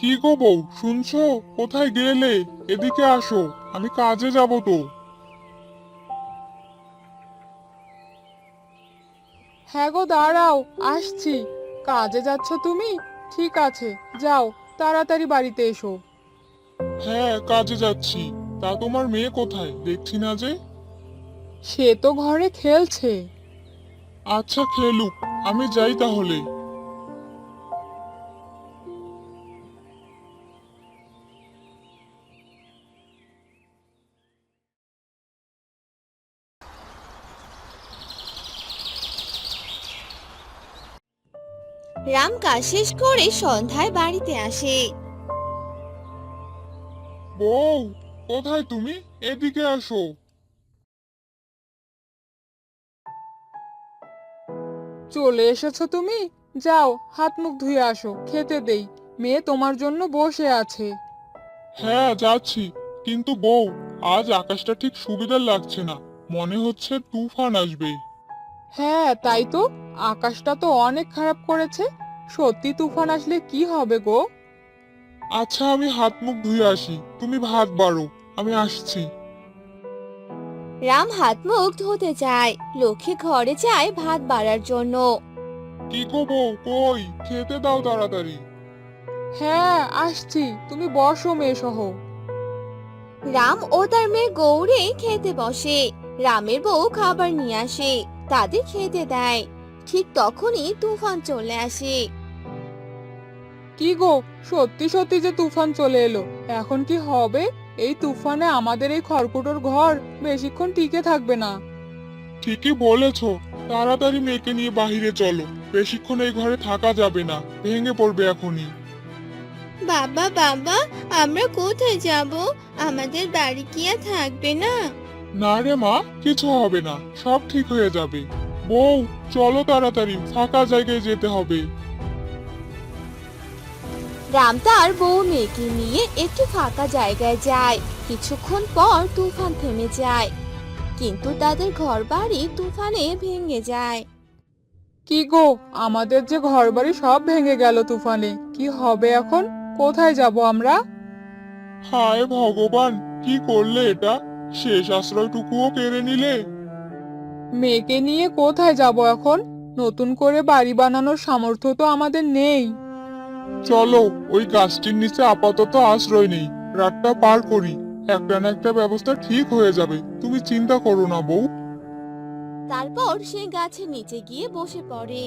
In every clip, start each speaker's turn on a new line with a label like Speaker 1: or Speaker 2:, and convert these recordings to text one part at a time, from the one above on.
Speaker 1: কি গো বউ, শুনছো? কোথায় গেলে? এদিকে আসো, আমি কাজে যাব তো।
Speaker 2: হ্যাঁ গো, দাঁড়াও, আসছি। কাজে যাচ্ছ তুমি? ঠিক আছে, যাও, তাড়াতাড়ি বাড়িতে এসো।
Speaker 1: হ্যাঁ, কাজে যাচ্ছি। তা তোমার মেয়ে কোথায়, দেখছি না যে?
Speaker 2: সে তো ঘরে খেলছে।
Speaker 1: আচ্ছা, খেলুক, আমি যাই তাহলে।
Speaker 3: রাম কাজ শেষ করে সন্ধ্যায় বাড়িতে আসে।
Speaker 1: বউ, কোথায় তুমি? এদিকে আসো।
Speaker 2: চলে এসেছো তুমি? যাও, হাত মুখ ধুয়ে আসো, খেতে দেই। মেয়ে তোমার জন্য বসে আছে।
Speaker 1: হ্যাঁ, যাচ্ছি। কিন্তু বউ, আজ আকাশটা ঠিক সুবিধার লাগছে না। মনে হচ্ছে তুফান আসবে।
Speaker 2: হ্যাঁ, তাই তো। আকাশটা তো অনেক খারাপ করেছে। সত্যি তুফান আসলে কি হবে গো?
Speaker 1: আচ্ছা, আমি হাত মুখ ধুয়ে আসি, তুমি ভাত বাড়ো। আমি আসছি।
Speaker 3: রাম হাত মুখ ধুতে যায়, লক্ষ্মী ঘরে যায় ভাত বাড়ার জন্য।
Speaker 1: কি গো বউ, কই? খেতে দাও তাড়াতাড়ি।
Speaker 2: হ্যাঁ, আসছি, তুমি বসো মেয়ে সহ।
Speaker 3: রাম ও তার মেয়ে গৌরে খেতে বসে। রামের বউ খাবার নিয়ে আসে, তাদের খেতে দেয়। ঠিক তখনই তুফান চলে আসে।
Speaker 2: কি গো, সত্যি সত্যি যে তুফান চলে এলো। এখন কি হবে? এই তুফানে আমাদের এই খড়কুটোর ঘর বেশিক্ষণ টিকে থাকবে না।
Speaker 1: ঠিকই বলেছো। তাড়াতাড়ি মেয়েকে নিয়ে বাহিরে চলো। বেশিক্ষণ এই ঘরে থাকা যাবে না, ভেঙে পড়বে এখনই।
Speaker 3: বাবা বাবা, আমরা কোথায় যাব? আমাদের বাড়ি কি আর থাকবে না?
Speaker 1: না রে মা, কিছু হবে না, সব ঠিক হয়ে যাবে। বউ, চলো তাড়াতাড়ি, ফাঁকা জায়গায় যেতে হবে।
Speaker 3: রাম তার বউ মেয়েকে নিয়ে একটি ফাঁকা জায়গায় যায়। কিছুক্ষণ পর তুফান থেমে যায়, কিন্তু তাদের ঘরবাড়ি তুফানে ভেঙে যায়।
Speaker 2: কি গো, আমাদের যে ঘরবাড়ি সব ভেঙে গেল তুফানে। কি হবে এখন? কোথায় যাব আমরা?
Speaker 1: হায় ভগবান, কি করলে এটা? শেষ আশ্রয়টুকুও কেড়ে নিলে।
Speaker 2: মেয়েকে নিয়ে কোথায় যাব এখন? নতুন করে বাড়ি বানানোর সামর্থ্য তো আমাদের নেই।
Speaker 1: চলো, ওই গাছটির নিচে আপাতত আশ্রয় নেই। রাতটা পার করি। একটা না একটা ব্যবস্থা ঠিক হয়ে যাবে, তুমি চিন্তা করো না বউ।
Speaker 3: তারপর সে গাছের নিচে গিয়ে বসে পড়ে।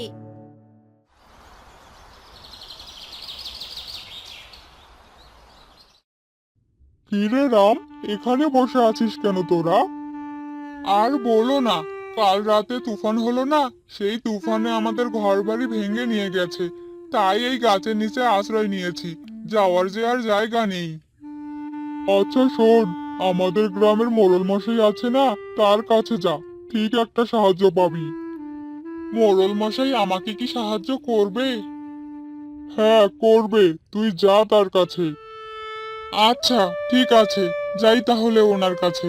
Speaker 1: কিরে রাম, এখানে বসে আছিস কেন তোরা? আর বলো না। কাল রাতে তুফান হলো না? সেই তুফানে আমাদের ঘরবাড়ি ভেঙে নিয়ে গেছে। তাই এই গাছের নিচে আশ্রয় নিয়েছি। যাওয়ার যে আর জায়গা নেই। আচ্ছা শোন, আমাদের গ্রামের মোড়ল মশাই আছে না, তার কাছে যা। ঠিক একটা সাহায্য পাবি। মোড়ল মশাই আমাকে কি সাহায্য করবে? হ্যাঁ, করবে। তুই যা তার কাছে। আচ্ছা, ঠিক আছে, যাই তাহলে ওনার কাছে।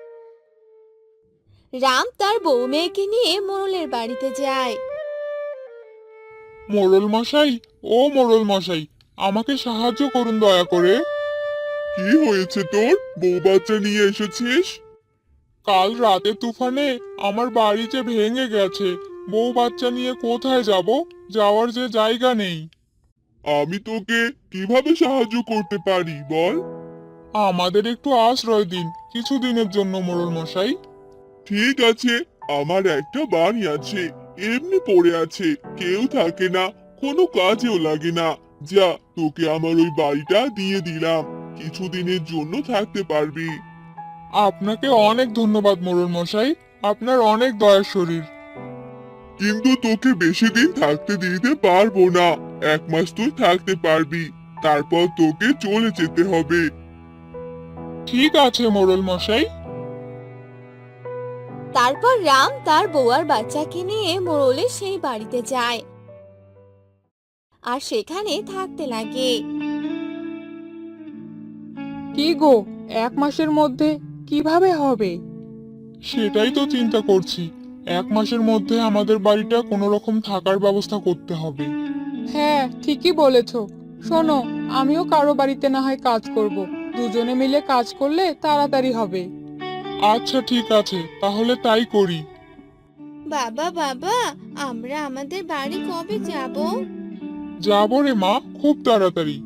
Speaker 3: রাম তার বউ মেয়েকে নিয়ে মোড়লের বাড়িতে যায়।
Speaker 1: মোড়ল মশাই, ও মোড়ল মশাই, আমাকে সাহায্য করুন দয়া করে। কি হয়েছে তোর? বউ বাচ্চা নিয়ে এসেছিস? কাল রাতে তুফানে আমার বাড়ি যে ভেঙে গেছে। বউ বাচ্চা নিয়ে কোথায় যাব? যাওয়ার যে জায়গা নেই। আমি তোকে কিভাবে সাহায্য করতে পারি বল? আমাদের একটু আশ্রয় দিন, কিছুদিনের জন্য মোড়ল মশাই। ঠিক আছে, আমার একটা বাড়ি আছে, এমনি পড়ে আছে, কেউ থাকে না, কোনো কাজেও লাগে না। যা, তোকে আমার ওই বাড়িটা দিয়ে দিলাম, কিছুদিনের জন্য থাকতে পারবি। আপনাকে অনেক ধন্যবাদ মোড়ল মশাই, আপনার অনেক দয়ার শরীর। কিন্তু তোকে বেশি দিন থাকতে দিতে পারবো না। 1 মাস তুই থাকতে পারবি, তারপর তোকে চলে যেতে হবে। ঠিক আছে মোড়ল মশাই।
Speaker 3: তারপর রাম তার বউ আর বাচ্চাকে নিয়ে মোড়লের সেই বাড়িতে যায় আর সেখানে থাকতে লাগে।
Speaker 2: কি গো, 1 মাসের মধ্যে কিভাবে হবে?
Speaker 1: সেটাই তো চিন্তা করছি। 1 মাসের মধ্যে আমাদের বাড়িটা কোনো রকম থাকার ব্যবস্থা করতে হবে।
Speaker 2: হ্যাঁ, ঠিকই বলেছো। শোনো, আমিও কারো বাড়িতে না হয় কাজ করব। দুজনে মিলে কাজ করলে তাড়াতাড়ি হবে।
Speaker 1: আচ্ছা ঠিক আছে, তাহলে তাই করি।
Speaker 3: বাবা বাবা, আমরা আমাদের বাড়ি কবে যাব?
Speaker 1: যাবো রে মা, খুব তাড়াতাড়ি।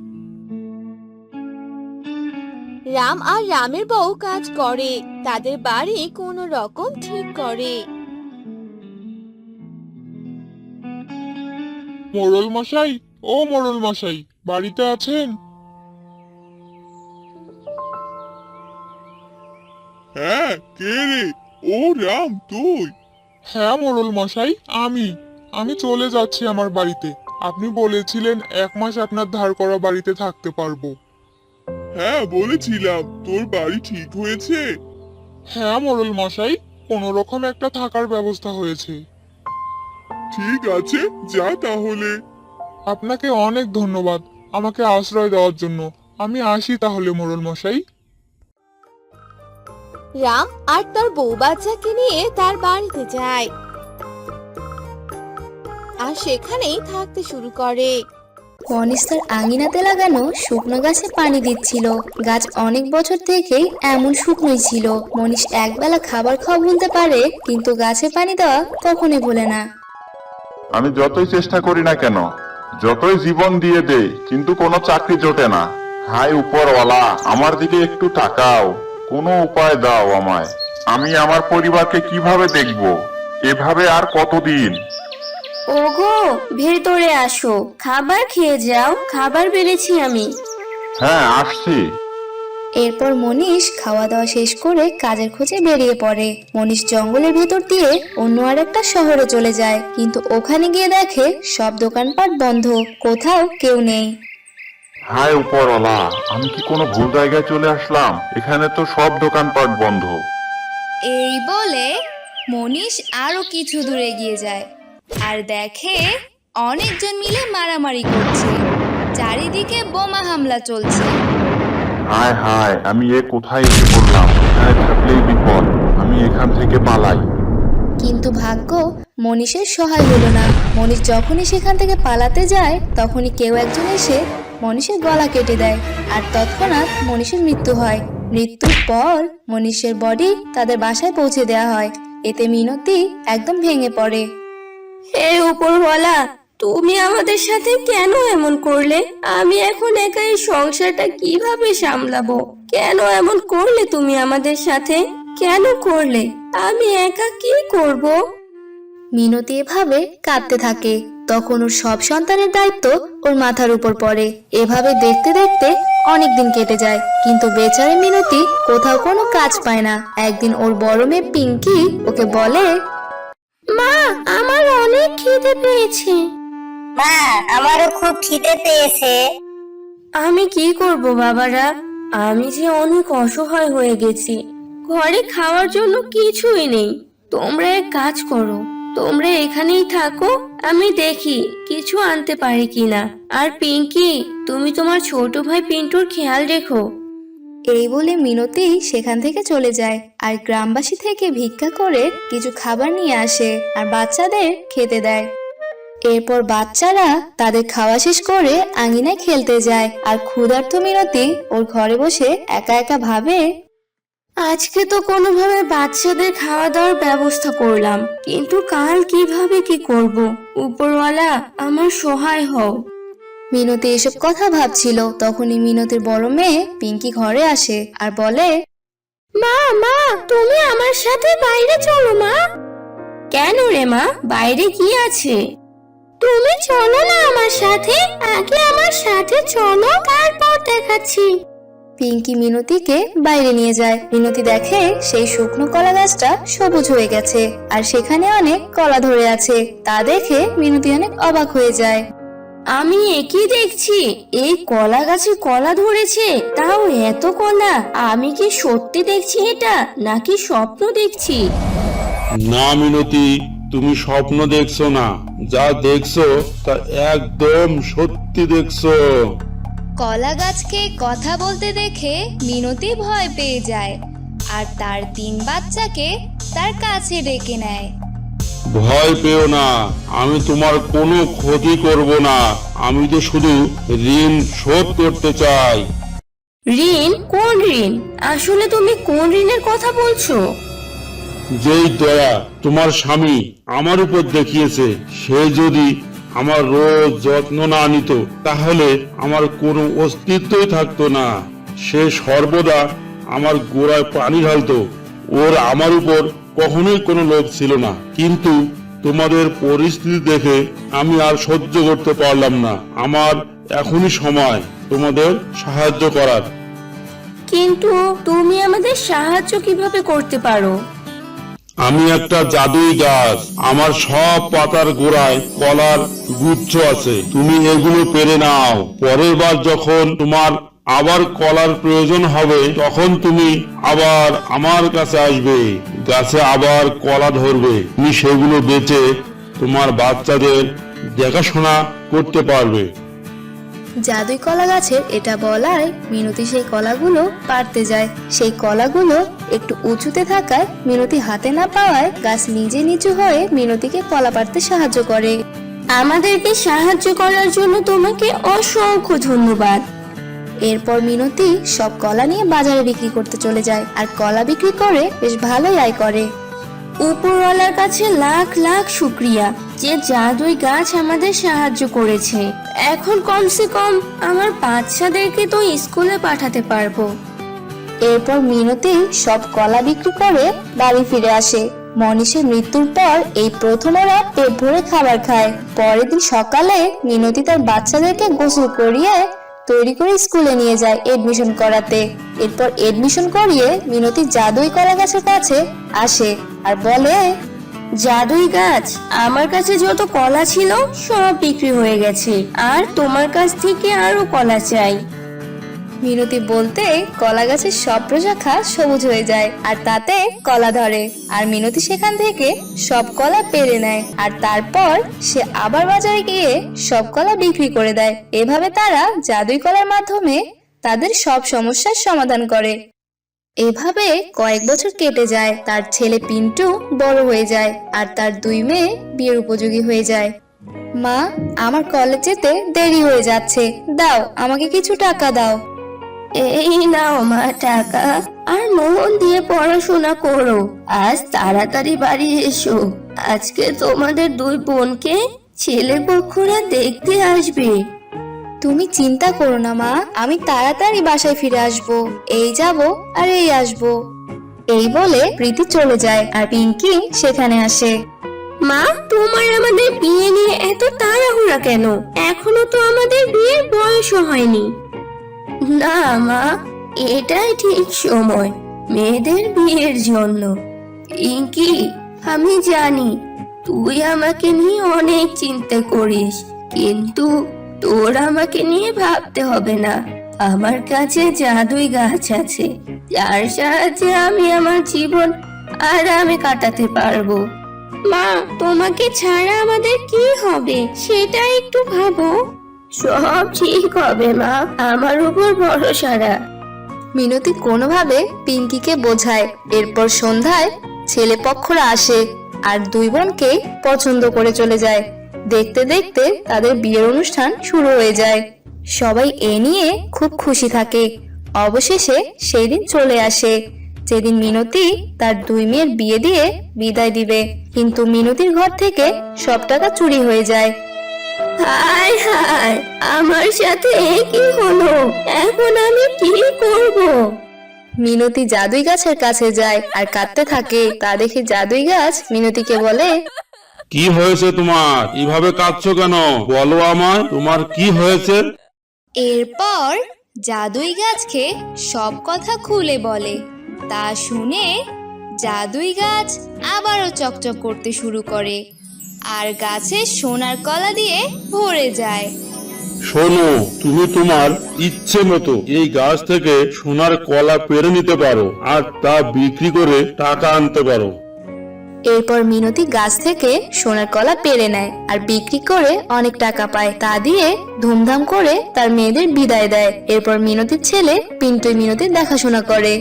Speaker 3: রাম আর রামের বউ কাজ করে, তাদের বাড়ি কোনো রকম ঠিক করে।
Speaker 1: মোড়ল মশাই, ও মোড়ল মশাই, বাড়িতে আছেন? হ্যাঁ, কে রে? ও রাম, তুই? হ্যাঁ মোড়ল মশাই, আমি চলে যাচ্ছি আমার বাড়িতে। আপনি বলেছিলেন 1 মাস আপনার ধার করা বাড়িতে থাকতে পারবো। হ্যাঁ বলেছিলাম, তোর বাড়ি ঠিক হয়েছে? হ্যাঁ মোড়ল মশাই, কোনো রকম একটা থাকার ব্যবস্থা হয়েছে। ঠিক আছে, যা তাহলে। আপনাকে অনেক ধন্যবাদ আমাকে আশ্রয় দেওয়ার জন্য। আমি আসি তাহলে মোড়ল মশাই।
Speaker 3: রাম আর তার বউ বাচ্চাকে নিয়ে তার বাড়িতে যায় আর সেখানেই থাকতে শুরু করে।
Speaker 4: মনীষ তার আঙিনাতে লাগানো শুকনো গাছে পানি দিচ্ছিল। গাছ অনেক বছর থেকেই এমন শুকনোই ছিল। মনীষ একবেলা খাবার খাওয়া ভুলতে পারে, কিন্তু গাছে পানি দেওয়া কখনোই ভোলে না।
Speaker 5: আমি যতই চেষ্টা করি না কেন, যতই জীবন দিয়ে দেই, কিন্তু কোনো চাকরি জোটে না। হায় উপরওয়ালা, আমার দিকে একটু তাকাও, কোনো উপায় দাও আমায়। আমি আমার পরিবারকে কিভাবে দেখব? এভাবে আর কতদিন?
Speaker 4: ওগো, ভেতরে আসো, খাবার খেয়ে যাও, খাবার বেড়েছি আমি।
Speaker 5: হ্যাঁ আসছি।
Speaker 4: এরপর মনীষ খাওয়া দাওয়া শেষ করে কাজের খোঁজে বেরিয়ে পড়ে। মনীষ জঙ্গলের ভেতর দিয়ে অন্য আরেকটা শহরে চলে যায়, কিন্তু ওখানে গিয়ে দেখে সব দোকানপাট বন্ধ, কোথাও কেউ নেই।
Speaker 5: হায় উপরওয়ালা, আমি কি কোনো ভুল জায়গায় চলে আসলাম? এখানে তো সব দোকানপাট বন্ধ।
Speaker 4: এই বলে মনীষ আরো কিছু দূরে এগিয়ে যায় আর দেখে অনেকজন মিলে মারামারি করছে, চারিদিকে বোমা হামলা চলছে।
Speaker 5: হায় হায়, আমি কোথায় এসে পড়লাম? এখানে থাকলেই বিপদ, আমি এখান থেকে পালাই।
Speaker 4: কিন্তু ভাগ্য মনীষের সহায় হলো না। মনীষ যখনই সেখান থেকে পালাতে যায়, তখনই কেউ একজন এসে মনীষের গলা কেটে দেয় আর তৎক্ষণাৎ মনীষের মৃত্যু হয়। মৃত্যুর পর মনীষের বডি তাদের বাসায় পৌঁছে দেওয়া হয়। এতে মিনতি একদম ভেঙে পড়ে। হে উপরওয়ালা, তুমি আমাদের সাথে কেন এমন করলে? আমি এখন একা এই সংসারটা কিভাবে সামলাবো? কেন এমন করলে তুমি আমাদের সাথে? কেন করলে? আমি একা কি করব? মিনতি এভাবে কাঁদতে থাকে। তখন ওর সব সন্তানের দায়িত্ব ওর মাথার উপর পড়ে। এভাবে দেখতে দেখতে অনেকদিন কেটে যায়, কিন্তু বেচারি মিনতি কোথাও কোনো কাজ পায় না। একদিন ওর বড় মেয়ে পিঙ্কি ওকে বলে, মা, আমার অনেক খিদে পেয়েছে।
Speaker 6: মা, আমারও খুব খিদে পেয়েছে।
Speaker 4: আমি কি করব বাবারা? আমি যে অনেক অসহায় হয়ে গেছি। ঘরে খাওয়ার জন্য কিছুই নেই। তোমরা এক কাজ করো, তোমরা এখানেই থাকো, আমি দেখি কিছু আনতে পারি কিনা। আর পিঙ্কি, তুমি তোমার ছোট ভাই পিন্টুর খেয়াল রেখো। এই বলে মিনতি সেখান থেকে চলে যায় আর গ্রামবাসী থেকে ভিক্ষা করে কিছু খাবার নিয়ে আসে আর বাচ্চাদের খেতে দেয়। এরপর বাচ্চারা তাদের খাওয়া শেষ করে আঙিনায় খেলতে যায় আর ক্ষুধার্ত মিনতি ওর ঘরে বসে একা একা ভাবে, আজকে তো কোনোভাবে বাচ্চাদের খাওয়া দাওয়ার ব্যবস্থা করলাম, কিন্তু কাল কিভাবে কি করব? উপরওয়ালা, আমার সহায় হও। মিনতি এসব কথা ভাবছিল, তখনই মিনতির বড় মেয়ে পিঙ্কি ঘরে আসে আর বলে, মা, মা, তুমি আমার সাথে বাইরে চলো মা। কেন রে মা, বাইরে কি আছে? তুমি চলো না আমার সাথে, আগে আমার সাথে চলো, তারপর দেখাচ্ছি। পিঙ্কি মিনতিকে বাইরে নিয়ে যায়। মিনতি দেখে সেই শুকনো কলা গাছটা সবুজ হয়ে গেছে আর সেখানে অনেক কলা ধরে আছে। তা দেখে মিনতি অনেক অবাক হয়ে যায়। আমি একই দেখছি, এই কলা গাছে কলা ধরেছে, তাও এত কলা। আমি কি সত্যি দেখছি এটা, নাকি স্বপ্ন দেখছি?
Speaker 7: না মিনতি, তুমি স্বপ্ন দেখছো না, যা দেখছো তা একদম সত্যি দেখছো।
Speaker 4: কলা গাছকে কথা বলতে দেখে মিনতি ভয় পেয়ে যায় আর তার 3 বাচ্চাকে তার কাছে ডেকে নেয়।
Speaker 7: ভয় পেও না, আমি তোমার কোনো ক্ষতি করব না। আমি তো শুধু ঋণ শোধ করতে চাই।
Speaker 4: ঋণ? কোন ঋণ? আসলে তুমি কোন ঋণের কথা বলছো?
Speaker 7: যেই দয়া তোমার স্বামী আমার উপর দেখিয়েছে, সে যদি আমার রোজ যত্ন না নিত তাহলে আমার কোনো অস্তিত্বই থাকতো না। সে সর্বদা আমার গোড়ায় পানি ঢালতো। ওর আমার উপর কখনোই কোনো লোভ ছিল না, কিন্তু তোমাদের পরিস্থিতি দেখে আমি আর সহ্য করতে পারলাম না। আমার এখনই সময় তোমাদের সাহায্য করার।
Speaker 4: কিন্তু তুমি আমাদের সাহায্য কিভাবে করতে পারো?
Speaker 7: আমি একটা জাদুই গাছ, আমার সব পাতার গোড়ায় কলার গুচ্ছ আছে। তুমি এগুলো পেরে নাও। পরের বার যখন তোমার আবার কলার প্রয়োজন হবে তখন তুমি আবার আমার কাছে আসবে, গাছে আবার কলা ধরবে। তুমি সেগুলো বেচে তোমার বাচ্চাদের দেখাশোনা করতে পারবে।
Speaker 3: জাদুই কলা গাছের এটা বলায় মিনতি সেই কলাগুলো পাড়তে যায়। সেই কলাগুলো একটু উঁচুতে থাকায় মিনতি হাতে না পাওয়ায় গাছ নিজে নিচু হয়ে মিনতিকে কলা পাড়তে সাহায্য করে।
Speaker 4: আমাদেরকে সাহায্য করার জন্য তোমাকে অসংখ্য ধন্যবাদ।
Speaker 3: এরপর মিনতি সব কলা নিয়ে বাজারে বিক্রি করতে চলে যায় আর কলা বিক্রি করে বেশ ভালোই আয় করে।
Speaker 4: উপরওয়ালার কাছে লাখ লাখ শুক্রিয়া যে জাদুই গাছ আমাদের সাহায্য করেছে। এখন কমসে কম আমার বাচ্চাদেরকে তো স্কুলে পাঠাতে পারবো।
Speaker 3: এরপর মিনতি সব কলা বিক্রি করে বাড়ি ফিরে আসে। মনীষের মৃত্যুর পর এই প্রথম ওরা পেট ভরে খাবার খায়। পরের দিন সকালে মিনতি তার বাচ্চাদেরকে গোসল করিয়ে তৈরি করে স্কুলে নিয়ে যায় এডমিশন করাতে। এরপর এডমিশন করিয়ে মিনতি জাদুই কলা গাছের কাছে আসে আর বলে,
Speaker 4: জাদুই গাছ, আমার কাছে যত কলা ছিল সব বিক্রি হয়ে গেছে, আর তোমার কাছ থেকে আরো কলা চাই।
Speaker 3: মিনতি বলতে কলা গাছের সব প্রশাখা সবুজ হয়ে যায় আর তাতে কলা ধরে। আর মিনতি সেখান থেকে সব কলা পেরে নেয় আর তারপর সে আবার বাজারে গিয়ে সব কলা বিক্রি করে দেয়। এভাবে তারা জাদুই কলার মাধ্যমে তাদের সব সমস্যার সমাধান করে। এভাবে কয়েক বছর কেটে যায়। তার ছেলে পিন্টু বড় হয়ে যায় আর তার 2 মেয়ে বিয়ের উপযোগী হয়ে যায়। মা, আমার কলেজ যেতে দেরি হয়ে যাচ্ছে, দাও আমাকে কিছু টাকা দাও।
Speaker 4: এই নাও মা টাকা, আর মন দিয়ে পড়াশোনা করো। আজ তাড়াতাড়ি বাড়ি এসো, আজকে তোমাদের 2 বোনকে ছেলে পক্ষরা দেখতে আসবে।
Speaker 3: তুমি চিন্তা করো না মা, আমি তাড়াতাড়ি বাসায় ফিরে আসবো। এই যাব আর এই আসবো। এই বলে প্রীতি চলে যায় আর পিঙ্কি সেখানে আসে।
Speaker 4: মা, তোমার আমাদের বিয়ে নিয়ে এত তাড়াহুড়া কেন? এখনো তো আমাদের বিয়ের বয়সও হয়নি। না মা, এটাই ঠিক সময় মেয়েদের বিয়ের জন্য। পিঙ্কি, আমি জানি তুই আমাকে নিয়ে অনেক চিন্তা করিস, কিন্তু তোর আমাকে নিয়ে ভাবতে হবে না। আমার কাছে জাদুই গাছ আছে, যার সাহায্যে আমি আমার জীবন আরামে কাটাতে পারবো। মা, তোমাকে ছাড়া আমাদের কি হবে সেটা একটু ভাবো। সব ঠিক হবে মা, আমার উপর ভরসা রাখ।
Speaker 3: মিনতি কোনোভাবে পিঙ্কিকে বোঝায়। এরপর সন্ধ্যায় ছেলে পক্ষরা আসে আর 2 বোনকে পছন্দ করে চলে যায়। দেখতে দেখতে তাদের বিয়ের অনুষ্ঠান শুরু হয়ে যায়। সবাই এ নিয়ে খুব খুশি থাকে। অবশেষে সেই দিন চলে আসে যেদিন মিনতি তার 2 মেয়ের বিয়ে দিয়ে বিদায় দিবে। কিন্তু মিনতির ঘর থেকে সব টাকা চুরি হয়ে যায়।
Speaker 4: হায় হায়, আমার সাথে কি হলো? এখন আমি কি করব?
Speaker 3: মিনতি জাদুই গাছের কাছে যায় আর কাঁদতে থাকে। তা দেখে জাদুই গাছ মিনতিকে বলে,
Speaker 7: কি হয়েছে তোমার? এভাবে কাঁদছো কেন? বলো আমায়, তোমার কি হয়েছে?
Speaker 3: এরপর জাদুই গাছকে সব কথা খুলে বলে। তা শুনে জাদুই গাছ আবারও চকচক করতে শুরু করে আর গাছে সোনার কলা দিয়ে ভরে যায়।
Speaker 7: শোনো, তুমি তোমার ইচ্ছে মতো এই গাছ থেকে সোনার কলা পেরে নিতে পারো আর তা বিক্রি করে টাকা আনতে পারো।
Speaker 3: এরপর মিনতি গাছ থেকে সোনার কলা পেরে নেয় আর বিক্রি করে অনেক টাকা পায়। তা দিয়ে ধুমধাম করে তার মেয়েদের বিদায় দেয়। এরপর মিনতির ছেলে পিন্টু মিনতির দেখাশোনা করে।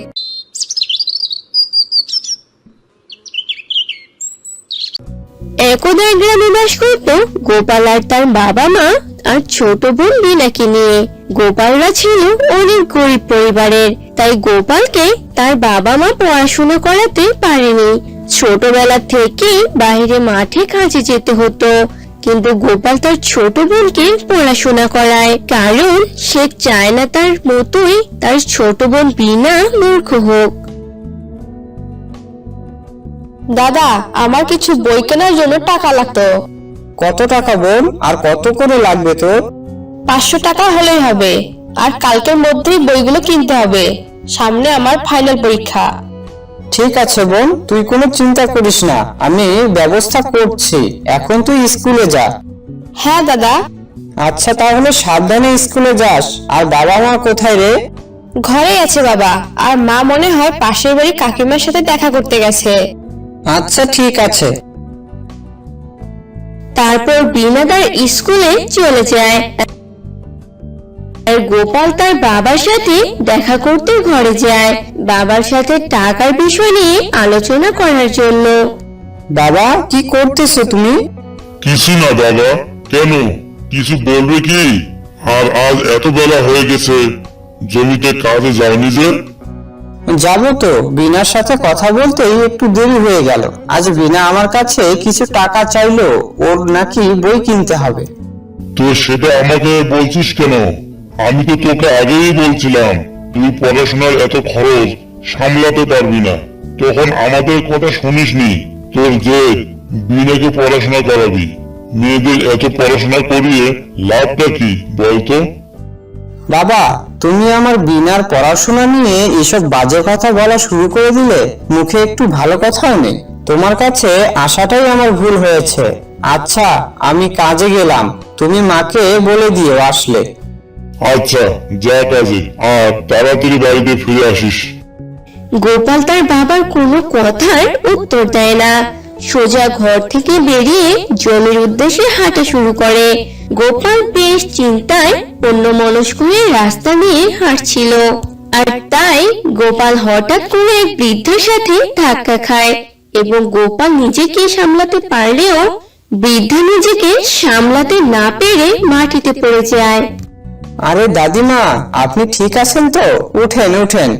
Speaker 4: একদা এক গ্রামে বাস করত গোপাল আর তার বাবা মা আর ছোট বোন বিনাকে নিয়ে। গোপালরা ছিল অনেক গরিব পরিবারের, তাই গোপালকে তার বাবা মা পড়াশোনা করাতে পারেনি। ছোটবেলা থেকে বাইরে মাঠে কাজে যেতে হতো, কিন্তু গোপাল তার ছোট বোনকে পড়াশোনা করায়, কারণ সে চায় না তার মতোই তার ছোট বোন বিনা মূর্খ হোক।
Speaker 3: দাদা, আমার কিছু বই কেনার জন্য টাকা লাগতো।
Speaker 8: কত টাকা বোন, আর কত করে লাগবে তোর?
Speaker 3: 500 টাকা হলেই হবে, আর কালকের মধ্যেই বইগুলো কিনতে হবে, সামনে আমার ফাইনাল পরীক্ষা।
Speaker 8: ঠিক আছে বোন, তুই কোনো চিন্তা করিস না, আমি ব্যবস্থা করছি। এখন তুই স্কুলে যা।
Speaker 3: হ্যাঁ দাদা।
Speaker 8: আচ্ছা তাহলে সাবধানে স্কুলে যাস। আর বাবা মা কোথায় রে?
Speaker 3: ঘরে আছে বাবা, আর মা মনে হয় পাশের বাড়ি কাকিমার সাথে দেখা করতে গেছে।
Speaker 8: আচ্ছা ঠিক আছে।
Speaker 4: তারপর বিনা তার স্কুলে চলে যায়, আর গোপাল তার বাবার সাথে দেখা করতে ঘরে যায়, বাবার সাথে টাকার বিষয় নিয়ে আলোচনা করার জন্য।
Speaker 8: বাবা, কি করতেছো তুমি?
Speaker 5: কিছু না বাবা। কেন, কিছু বলবে কি? আর আজ এত বেলা হয়ে গেছে, জমিতে কাজে যাওনি যে?
Speaker 8: যাবো তো, বিনার সাথে কথা বলতে একটু দেরি হয়ে গেল। আজ বিনা আমার কাছে কিছু টাকা চাইলো, ওর নাকি বই কিনতে হবে।
Speaker 5: তো সেটা আমাকে বলছিস কেন? আমি তো তোকে আগেই বলছিলাম তুই পড়াশোনার এত খরচ সামলাতে পারবি না, তখন আমাদের কথা শুনিসনি। তোর যে বিনাকে পড়াশোনা করাবি, মেয়েদের এত পড়াশোনা করিয়ে লাভটা কি বলতো?
Speaker 8: বাবা, তুমি আমার বিনার পড়াশোনা নিয়ে এসব বাজে কথা বলা শুরু করে দিলে। মুখে একটু ভালো কথাও নেই। তোমার কাছে আসাটাই আমার ভুল হয়েছে। আচ্ছা, আমি কাজে গেলাম, তুমি মাকে বলে দিও আসলে।
Speaker 5: আচ্ছা যা কাজে, আর তাড়াতাড়ি বাড়িতে ফিরে আসিস।
Speaker 4: গোপাল তার বাবার কোনো কথার উত্তর দেয় না, সোজা ঘর থেকে বেরিয়ে জমির উদ্দেশ্যে হাঁটা শুরু করে। গোপাল বেশ চিন্তায় অন্যমনস্ক হয়ে রাস্তা দিয়ে হাঁটছিল, আর তাই গোপাল হঠাৎ করে এক বৃদ্ধের সাথে ধাক্কা খায়, এবং গোপাল নিজেকে সামলাতে পারলেও বৃদ্ধা নিজেকে সামলাতে না পেরে মাটিতে পড়ে যায়।
Speaker 8: আরে দাদিমা, আপনি ঠিক আছেন তো? উঠেন উঠেন।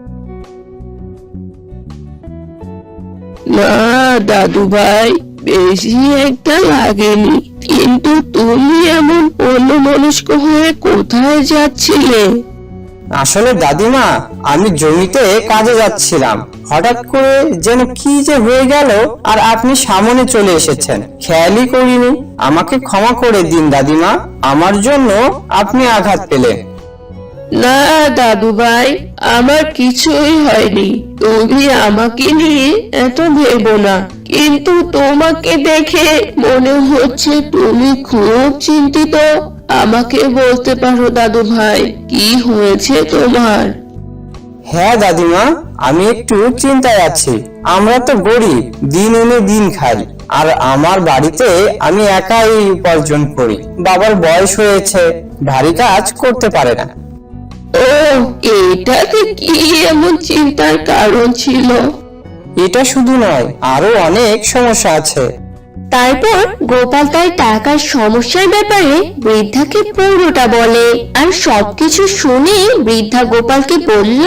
Speaker 2: না দাদু ভাই, বেশি একটা লাগেনি, কিন্তু তুমি এমন অন্যমনস্ক হয়ে কোথায় যাচ্ছিলে?
Speaker 8: আসলে দাদিমা, আমি জমিতে কাজে যাচ্ছিলাম, হঠাৎ করে যেন কি যে হয়ে গেল, আর আপনি সামনে চলে এসেছেন, খেয়ালই করিনি। আমাকে ক্ষমা করে দিন দাদিমা, আমার জন্য আপনি আঘাত পেলেন।
Speaker 2: না দাদু ভাই, আমার কিছুই হয়নি, তুমি আমাকে নিয়ে এত ভেবো না। কিন্তু তোমাকে দেখে মনে হচ্ছে তুমি খুব চিন্তিত। আমাকে বলতে পারো দাদু ভাই, কি হয়েছে তোমার?
Speaker 8: হ্যাঁ দাদিমা, আমি একটু চিন্তায় আছি। আমরা তো গরিব, দিন এনে দিন খাই, আর আমার বাড়িতে আমি একাই উপার্জন করি। বাবার বয়স হয়েছে, ভারী কাজ করতে পারে না।
Speaker 2: ও, এটাতে কি এমন চিন্তার কারণ ছিল?
Speaker 8: এটা শুধু নয়, আরো অনেক সমস্যা আছে।
Speaker 4: তারপর গোপাল তার টাকার সমস্যার ব্যাপারে বৃদ্ধাকে পুরোটা বলে, আর সবকিছু শুনে বৃদ্ধা গোপালকে বলল,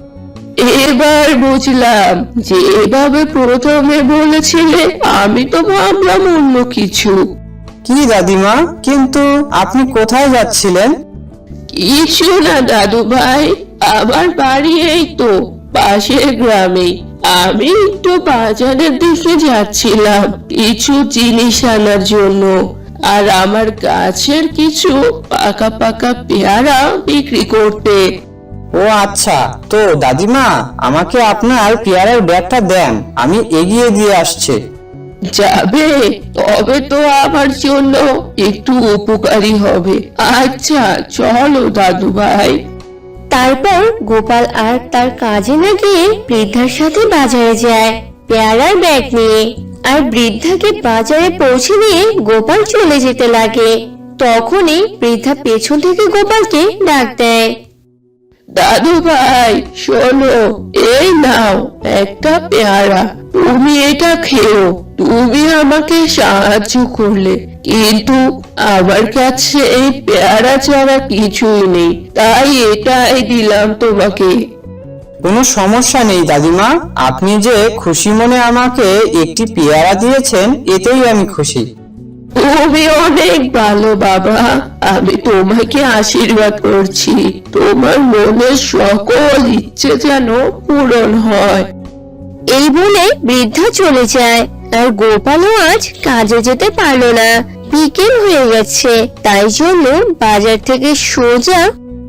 Speaker 2: এবার বুঝলাম যে এভাবে প্রথমে বলেছিলে, আমি তো ভাবলাম অন্য কিছু।
Speaker 8: কি দাদিমা, কিন্তু আপনি কোথায় যাচ্ছিলেন?
Speaker 2: কিছু না দাদু ভাই, আমার বাড়ি এই তো পাশের গ্রামে। আমি একটু বাজারের দিকে যাচ্ছিলাম কিছু জিনিস আনার জন্য, আর আমার গাছের কিছু পাকা পাকা পেয়ারা বিক্রি করতে।
Speaker 8: ও আচ্ছা, তো দাদিমা আমাকে আপনার পেয়ারার ব্যাগটা দেন, আমি এগিয়ে দিয়ে আসছি।
Speaker 2: যাবে? তবে তো আমার জন্য একটু উপকারী হবে। আচ্ছা চলো দাদু ভাই।
Speaker 4: তারপর গোপাল আর তার কাজে না গিয়ে বৃদ্ধার সাথে বাজারে যায় পেয়ারার ব্যাগ নিয়ে, আর বৃদ্ধাকে বাজারে পৌঁছে দিয়ে গোপাল চলে যেতে লাগে। তখনই বৃদ্ধা পেছন থেকে গোপালকে ডাক দেয়।
Speaker 2: দাদু ভাই শোনো, এই নাও একটা পেয়ারা, তুমি এটা খেও। তুমি আমাকে সাহায্য করলে, কিন্তু আমার কাছে এই পেয়ারা ছাড়া কিছুই নেই, তাই এটাই দিলাম তোমাকে।
Speaker 8: কোনো সমস্যা নেই দাদিমা, আপনি যে খুশি মনে আমাকে একটি পেয়ারা দিয়েছেন এতেই আমি খুশি।
Speaker 2: তুমি অনেক ভালো বাবা, আমি তোমাকে আশীর্বাদ করছি তোমার মনের সকল ইচ্ছে যেন পূরণ হয়।
Speaker 4: এই বলে বৃদ্ধা চলে যায়। আর গোপালও আজ কাজে যেতে পারলো না, বিকেল হয়ে গেছে, তাই জন্য বাজার থেকে সোজা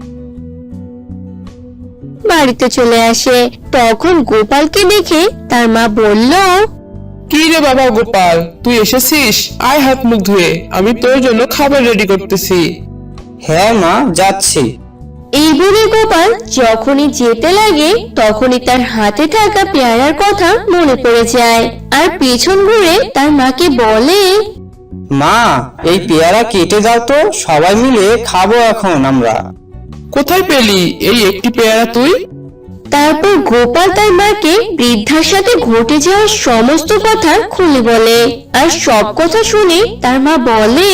Speaker 4: বাড়িতে চলে আসে। তখন গোপালকে দেখে তার মা বলল,
Speaker 9: কি রে বাবা গোপাল, তুই এসেছিস? আয় হাত মুখ ধুয়ে, আমি তোর জন্য খাবার রেডি করতেছি।
Speaker 8: হ্যাঁ মা, যাচ্ছি।
Speaker 4: এই বলে গোপাল যখনই যেতে লাগে তখনই তার হাতে থাকা পেয়ারার কথা মনে পড়ে যায়, আর পেছন ঘুরে তার মাকে বলে,
Speaker 8: মা, এই পেয়ারা কেটে দাও তো, সবাই মিলে খাবো এখন আমরা।
Speaker 9: কোথায় পেলি এই একটি পেয়ারা তুই?
Speaker 4: তারপর গোপাল তার মাকে বৃদ্ধার সাথে ঘটে যাওয়া সমস্ত কথা খুলে বলে। আর সব কথা শুনে তার মা বলে,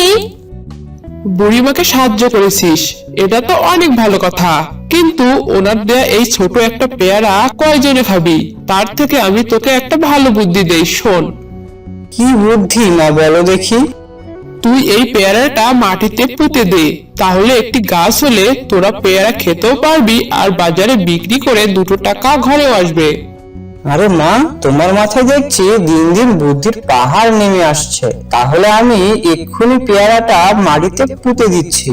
Speaker 9: বুড়িমাকে সাহায্য করেছিস, এটা তো অনেক ভালো কথা, কিন্তু ওনার দেয়া এই ছোট একটা পেয়ারা কয়জনে খাবি? তার থেকে আমি তোকে একটা ভালো বুদ্ধি দেই, শোন।
Speaker 8: কি বুদ্ধি মা, বলো দেখি।
Speaker 9: তুই এই পেয়ারাটা মাটিতে পুঁতে দে, তাহলে একটি গাছ হলে তোরা পেয়ারা খেতেও পারবি, আর বাজারে বিক্রি করে 2 টাকা ঘরেও আসবে।
Speaker 8: আরে মা, তোমার মাথায় দেখছি দিন দিন বুদ্ধির পাহাড় নেমে আসছে, তাহলে আমি এক্ষুনি পেয়ারাটা মাটিতে পুঁতে দিচ্ছি।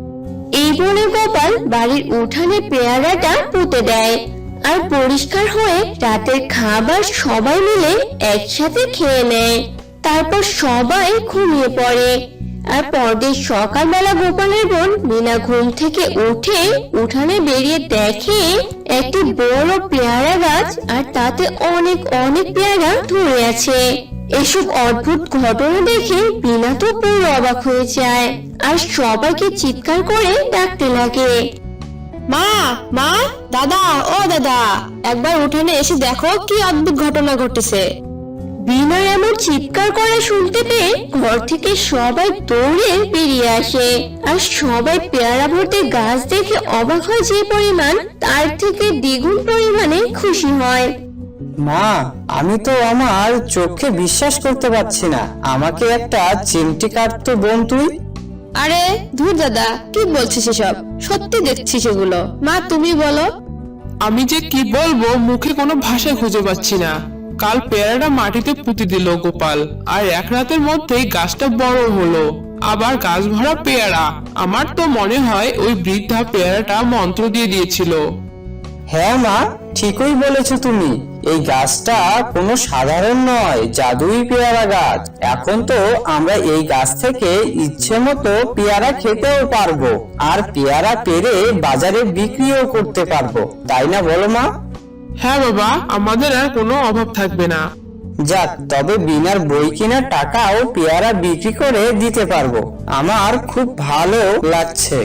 Speaker 4: এই বলে গোপাল বাড়ির উঠানে পেয়ারাটা পুঁতে দেয়। আর পরিষ্কার হয়ে রাতের খাবার সবাই মিলে একসাথে খেয়ে নেয়। তারপর সবাই ঘুমিয়ে পড়ে। আর পরদিন সকালবেলা গোপালের বোন মিনা ঘুম থেকে উঠে উঠানে বেরিয়ে দেখে একটি বড় পেয়ারা গাছ, আর তাতে অনেক অনেক পেয়ারা ধরে আছে। এসব অদ্ভুত ঘটনা দেখে মিনা তো পুরো অবাক হয়ে যায়, আর সবাইকে চিৎকার করে ডাকতে লাগে, মা মা, দাদা ও দাদা, একবার উঠানে এসে দেখো কি অদ্ভুত ঘটনা ঘটেছে। বিনার এমন চিৎকার করা শুনতে পেয়ে ঘর থেকে সবাই দৌড়ে বেরিয়ে আসে। আর সবাই পেয়ারা ভর্তি গাছ দেখে অবাক হয় যে পরিমাণ, তার থেকে দ্বিগুণ পরিমাণে খুশি হয়।
Speaker 8: মা, আমি তো আমার চোখে বিশ্বাস করতে পারছি না, আমাকে একটা চিমটি কাটতো বোন তুই।
Speaker 4: আরে ধুর দাদা, কি বলছিস এসব? সত্যি দেখছি সেগুলো। মা তুমি বলো।
Speaker 9: আমি যে কি বলবো, মুখে কোনো ভাষা খুঁজে পাচ্ছি না। কাল পেয়ারাটা মাটিতে পুঁতে দিল গোপাল, আর 1 রাতের মধ্যেই গাছটা বড় হলো, আবার গাছ ভরা পেয়ারা। আমার তো মনে হয় ওই বৃদ্ধা পেয়ারাটা মন্ত্র দিয়ে দিয়েছিল।
Speaker 8: হ্যাঁ মা, ঠিকই বলেছো তুমি, এই গাছটা কোনো সাধারণ নয়, জাদুই পেয়ারা গাছ। এখন তো আমরা এই গাছ থেকে ইচ্ছে মতো পেয়ারা খেতেও পারবো, আর পেয়ারা পেরে বাজারে বিক্রিও করতে পারবো, তাই না বলো মা?
Speaker 9: হ্যাঁ বাবা, আমাদের আর কোনো অভাব থাকবে না।
Speaker 8: যাক, তবে বিনার বই কেনার টাকাও পেয়ারা বিক্রি করে দিতে পারবো, আমার খুব ভালো লাগছে।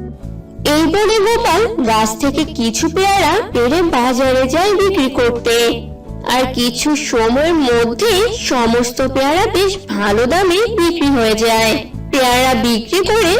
Speaker 4: এই বলে গোপাল গাছ থেকে কিছু পেয়ারা পেড়ে বাজারে যায় বিক্রি করতে। আর কিছু সময়ের মধ্যে সমস্ত পেয়ারা বেশ ভালো দামে বিক্রি হয়ে যায়। পেয়ারা বিক্রি করে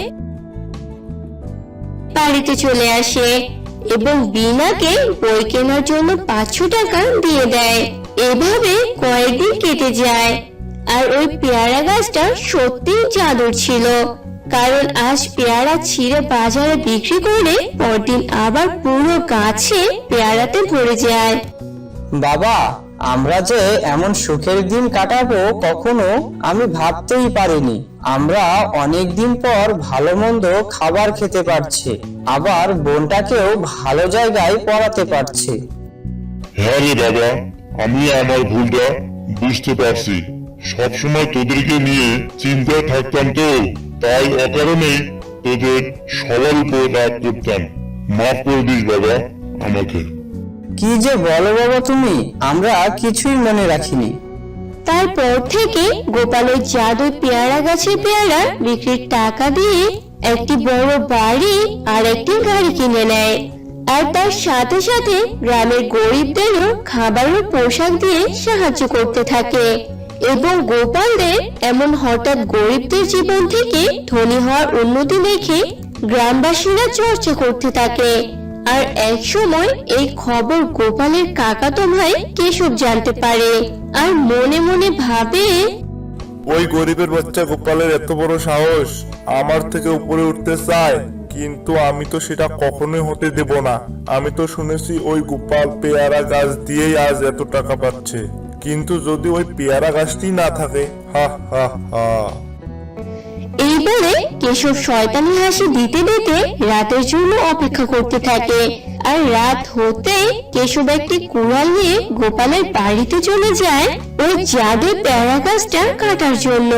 Speaker 4: বাড়িতে চলে আসে এবং বিনাকে বই কেনার জন্য 500 টাকা দিয়ে দেয়। এভাবে কয়েকদিন কেটে যায়। আর ওই পেয়ারা গাছটা সত্যি জাদুর ছিল, কারণ আজ পেয়ারা ছিঁড়ে বাজারে বিক্রি করে পরদিন আবার পুরো গাছে পেয়ারাতে ভরে যায়।
Speaker 8: বাবা, আমরা যে এমন সুখের দিন কাটাবো কখনো আমি ভাবতেই পারিনি। আমরা অনেক দিন পর ভালো মন্দ খাবার খেতে পারছি, আবার বোনটাকেও ভালো জায়গায় পড়াতে পারছি।
Speaker 10: হ্যাঁ রে বাবা, আমি আমার ভুলটা বুঝতে পারছি। সবসময় তোদেরকে নিয়ে চিন্তায় থাকতাম, তো তাই অকারণে তোদের সবার উপর রাগ করতাম। মাফ করে দিস বাবা আমাকে।
Speaker 8: কি যে বলো বাবা তুমি, আমরা কিছুই মনে রাখিনি।
Speaker 4: তারপর থেকে গোপাল ওই জাদু পেয়ারা গাছের পেয়ারা বিক্রির টাকা দিয়ে একটি বড় বাড়ি আর একটি গাড়ি কিনে নেয়।
Speaker 2: আর তার সাথে সাথে গ্রামের গরিবদেরও খাবার ও পোশাক দিয়ে সাহায্য করতে থাকে। এবং গোপালদের এমন হঠাৎ গরিবদের জীবন থেকে ধনী হওয়ার উন্নতি দেখে গ্রামবাসীরা চর্চা করতে থাকে। আর এক সময় এই খবর গোপালের কাকাতো ভাই কেশব জানতে পারে আর মনে মনে ভাবে,
Speaker 11: ওই গরিবের বাচ্চা গোপালের এত বড় সাহস, আমার থেকে উপরে উঠতে চায়, কিন্তু আমি তো সেটা কখনোই হতে দেব না। আমি তো শুনেছি ওই গোপাল পেয়ারা গাছ দিয়েই আজ এত টাকা পাচ্ছে, কিন্তু যদি ওই পেয়ারা গাছটি না থাকে, হা হা হা।
Speaker 2: এই বলে কেশব শয়তানি হাসি দিতে দিতে রাতের জন্য অপেক্ষা করতে থাকে। আর রাত হতে কেশব একটি কুড়াল নিয়ে গোপালের বাড়িতে চলে যায় ওই জাদুর পেয়ারা গাছটা কাটার জন্য।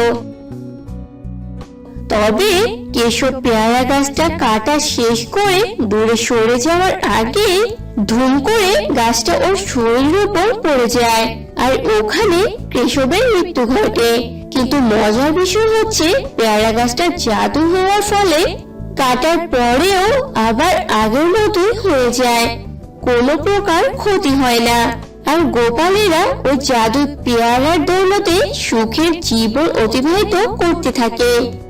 Speaker 2: তবে কেশব পেয়ারা গাছটা কাটা শেষ করে দূরে সরে যাওয়ার আগে ধুম করে গাছটা ওর শরীরের উপর পড়ে যায় আর ওখানে কেশবের মৃত্যু ঘটে। কিন্তু মজার বিষয় হচ্ছে পেয়ারা গাছটা জাদু হওয়ার ফলে কাটার পরেও আবার আগের মতোই হয়ে যায়, কোনো প্রকার ক্ষতি হয় না। আর গোপালেরা ওই জাদু পেয়ারার দৌলতে সুখের জীবন অতিবাহিত করতে থাকে।